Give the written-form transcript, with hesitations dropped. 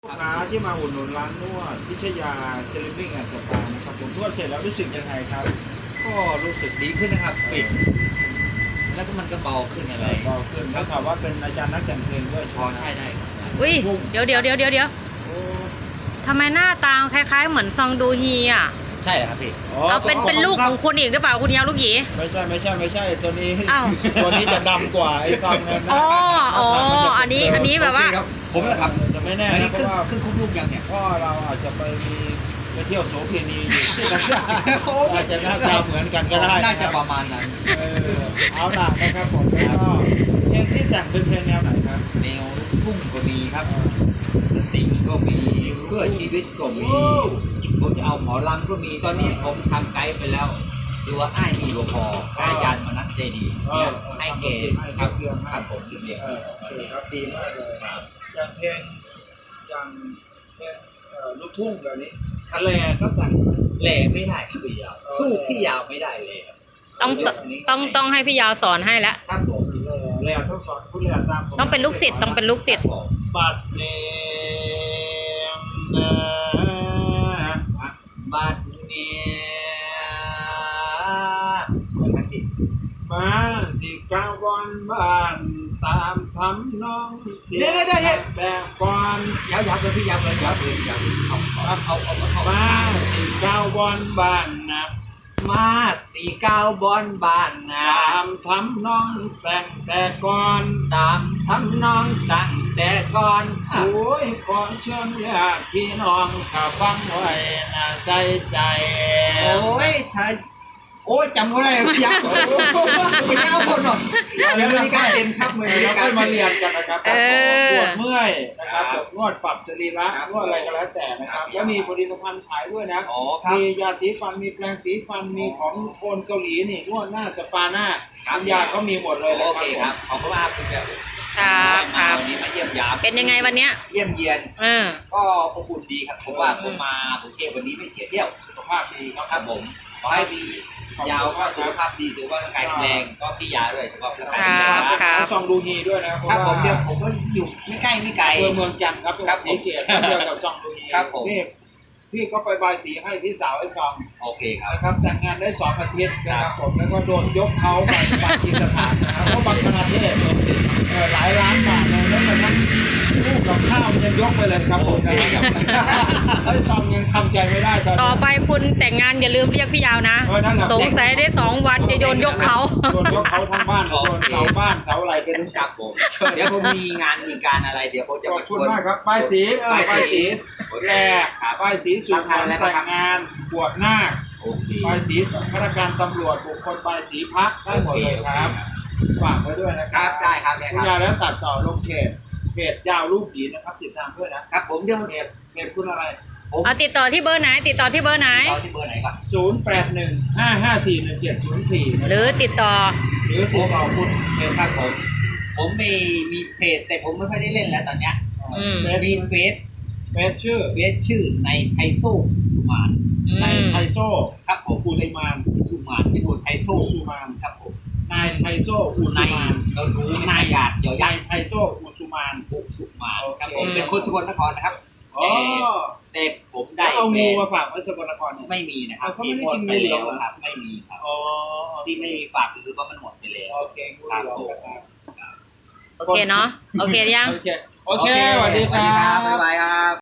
ลูกค้าที่มาอุดหนุนร้านนวดพิชยาเซเลบิ้งแอนด์สปานะครับผมนวดเสร็จแล้วรู้สึกยังไงครับก็รู้สึกดีขึ้นนะครับปิดแล้วก็มันก็เบาขึ้นอะไรเบาขึ้นแล้วถามว่าเป็นอาจารย์นักแต่งเพลงด้วยพอใช่ได้ครับอุ้ยเดี๋ยวโอ้ทำไมหน้าตาคล้ายๆเหมือนซองดูฮีอ่ะใช่เหรอครับพี่เอาเป็นลูกของคุณอีกหรือเปล่าคุณยาวลูกหยีไม่ใช่ตัวนี้อ้าวตัวนี้จะดำกว่าไอ้ซองนั้นนะอ๋ออันนี้แบบว่าโอเคครับผมแหละครับจะไม่แน่อันนะนี้เพขึ้นราะว่าขึ้นคุกลูกยังเนี่ยก็เราอาจจะไปเที่ยวโสเภณีอยู่อาจจะหน้าตาเหมือนกันก็ได้น่านะคจะรับประมาณนั้นเอาล่ะนะครับผมแล้วก็เพลงที่แต่งเป็นเพลงแนวไหนครับแนวลูกทุ่งก็มีครับสตริงก็มีเพื่อชีวิตก็มีผมจะเอาหมอลำก็มีตอนนี้ผมทำไกด์ไปแล้วดูว่าอ้ายมีบ่พออ้ายยันมานัดเจดีเนี่ยให้เกย์ครับครับผมเรียนโอเคครับดีมากเลยอย่างเพลงอย่างเพลงลูกทุ่งแบบนี้ทะเลก็แต่งแหล่ไม่ได้ครับพี่ยาวสู้พี่ยาวไม่ได้เลยครับต้องให้พี่ยาวสอนให้แล้วครับผมแร่ต้องสอนผู้แร่ตามผมต้องเป็นลูกศิษย์บัดเนมนะบัดเนี่ยเหมือนกันที่มาสิกาวันบ้านตามทำน้องแต่ก่อนยาวเลยพี่ยาวเลยยาวเอามาสิกาวันบ้านนะมา49บอนบ้านนาตามทำน้องแต่ก่อนตามทำน้องตั้งแต่ก่อนโอ้ยก่อนเชิญญาติพี่น้องข้าฟังไว้น่าใส่ใจโอ้ยไทยโอ้ยจำไม่ได้พี่ยาวไม่ได้เอาคนหรอกเดี๋ยวมีการเต็มครับมือแล้วการก็มาเรียนกันนะครับปวดเมื่อยนะครับนวดปรับสรีระนวดอะไรก็แล้วแต่นะครับแล้วมีผลิตภัณฑ์ขายด้วยนะอ๋อครับมียาสีฟันมีแปรงสีฟันมีของโคนเกาหลีนี่นวดหน้าสปาหน้าน้ำยาก็มีหมดเลยโอเคครับขอบคุณมากคุณแบบครับวันนี้มาเยี่ยมยามเป็นยังไงวันเนี้ยเยี่ยมเยียนมก็อบอุ่นดีครับผมว่าผมมากรุงเทพวันนี้ไม่เสียเที่ยวสุขภาพดีครับครับผมขอให้ดียาวก็สุขภาพดีสุขภาพร่างกายแข็งแรงก็พี่ยาด้วยสุขภาพร่างกายแข็งแรงครับซองดูฮีด้วยนะครับผมเดี๋ยวผมก็อยู่ไม่ใกล้ไม่ไกลเมืองจันทร์ครับครับสีเกียรติเดียวกับซองดูฮีครับผมพี่ก็ไปบายสีให้พี่สาวไอ้ซองโอเคครับนะครับแต่งงานได้2 อาทิตย์นะครับผมแล้วก็โดนยกเขาไปบางที่สถานนะครับเพราะบางประเทศหลายล้านบาทเลยแล้วกระทั่งลูกกับข้าวยังยกไปเลยครับผมนะครับไอ้ซองยังทำใจไม่ได้ตอนต่อนี้ไปคุณแต่งงานอย่าลืมเรียกพี่ยาวนะนั่นแหละสงสัยได้2 วันจะโยนยกเขาโดนยกเขาทั้งบ้านโดนเสาบ้านเสาอะไรเป็นครับผมเดี๋ยวผมมีงานมีการอะไรเดี๋ยวผมจะขอมาบคุณมากครับป้ายสีป้ายสีแรกป้ายสีสุขภาพแต่งงานบวชนาคโอเคป้ายสีข้าราชการตำรวจบุคคลป้ายสีพักได้หมดเลยครับฝากไว้ด้วยนะคครัรับบได้ครับได้คุคณรับยายแล้วตัดต่อลงเพจยาวรูปผีนะครับติดตามด้วยนะครับผมเดี๋ยวเพจคุณอะไรผมเอาติดต่อที่เบอร์ไหน ติดต่อที่เบอร์ไหนต่อที่เบอร์ไหนครับ 0815541704 หรือติดต่อหรือติดต่อคุณครับผมมีเพจแต่ผมไม่ค่อยได้เล่นแล้วตอนเนี้ยอืมมีเฟซชื่อชื่อในไทโซ่สุมานนายไทโซ่ครับผมอุสุมานสุมานเป็นคนไทโซ่อุสุมานครับผมนายไทโซ่อุสุนายมานเรารู้นายหยาดเดี๋ยวยนายไทโซ่อุสุมานปุสุมานครับผโอมเคเป็นคนสกลนครนะครับอ๋อแต่ผมได้ได้เอาแบงูรนมาด์ฝากไว้สกลนครเนี่ยไม่มีนะครับเขาไม่ได้หมกิดนไปงูเหรแล้อวครับไม่มีครับอ๋อที่ไม่มีฝากคือว่ามันหมดไปแล้วโอเคงูเหลือมนะครับโอเคเนาะ โอเคยังโอเคสวัสดีครับ๊ายบบายครับ